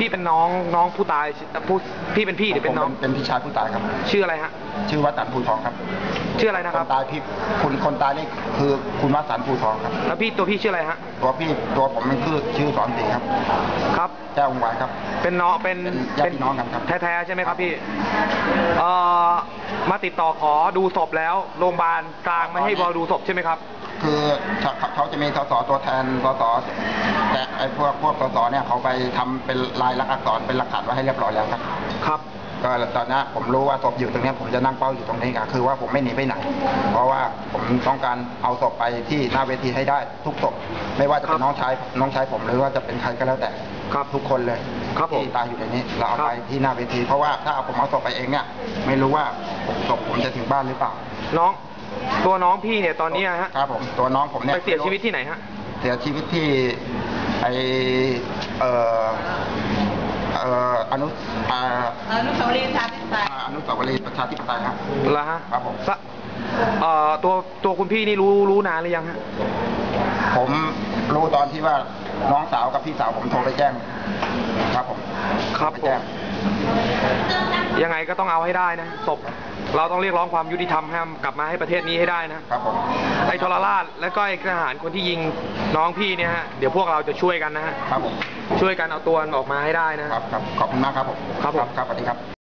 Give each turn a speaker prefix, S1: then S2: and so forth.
S1: พี่เป็นน้องผู้ตายพี่เป็นพี่หรือเป็นน้อง
S2: เป็นพี่ชายผู้ตายครับ
S1: ชื่ออะไรฮะ
S2: ชื่อวัดสันภูทองครับ
S1: ชื่ออะไรนะครับ
S2: คนตายพี่คนตายนี่คือคุณวัดสันภูทองครับ
S1: แล้วตัวพี่ชื่ออะไรฮะ
S2: ตัวผมมันคือชื่อสอนศรีครับ
S1: ครับ
S2: แจ้วงวานครับ
S1: เป็นน้องเป็น
S2: ญาติน้องกันครับ
S1: แท้ๆใช่ไหมครับพี่มาติดต่อขอดูศพแล้วโรงพยาบาลกลางไม่ให้บอดูศพใช่ไหมครับ
S2: คือเขาจะมีสสตัวแทนสสแต่ไอ้พวกสสเนี่ยเขาไปทำเป็นลายลักษณ์อักษรเป็นหลักฐานไว้ให้เรียบร้อยแล้วครับ
S1: ครับ
S2: ก็ตอนนี้ผมรู้ว่าศพอยู่ตรงนี้ผมจะนั่งเป้าอยู่ตรงนี้คือว่าผมไม่หนีไปไหนเพราะว่าผมต้องการเอาศพไปที่หน้าเวทีให้ได้ทุกศพไม่ว่าจะเป็นน้องชายผมหรือว่าจะเป็นใครก็แล้วแต่
S1: ครับ
S2: ทุกคนเลยที่ตายอยู่ในนี้เราเอาไปที่หน้าเวทีเพราะว่าถ้าผมเอาศพไปเองเนี่ยไม่รู้ว่าศพผมจะถึงบ้านหรือเปล่า
S1: ตัวน้องพี่เนี่ยตอนนี้ฮะ
S2: ครับผมตัวน้องผมเนี่ย
S1: ไปเสียชีวิตที่ไหนฮะ
S2: เสียชีวิตที่อนุสาวรีย์ประชาธิปไตยครับ
S1: แล้วฮะ
S2: ครับผม
S1: ตัวคุณพี่นี่รู้นานหรือยังฮะ
S2: ผมรู้ตอนที่ว่าน้องสาวกับพี่สาวผมโทรไปแจ้งครับผม
S1: ครับผมยังไงก็ต้องเอาให้ได้นะศพเราต้องเรียกร้องความยุติธรรมให้กลับมาให้ประเทศนี้ให้ได้นะครับ
S2: ผม
S1: ไอ้ทรราชและก็ไอ้ทหารคนที่ยิงน้องพี่เนี่ยฮะเดี๋ยวพวกเราจะช่วยกันนะฮะ
S2: ครับผม
S1: ช่วยกันเอาตัวออกมาให้ได้นะครับ
S2: ขอบคุณมากครับผม
S1: ครับส
S2: วัสดีครับ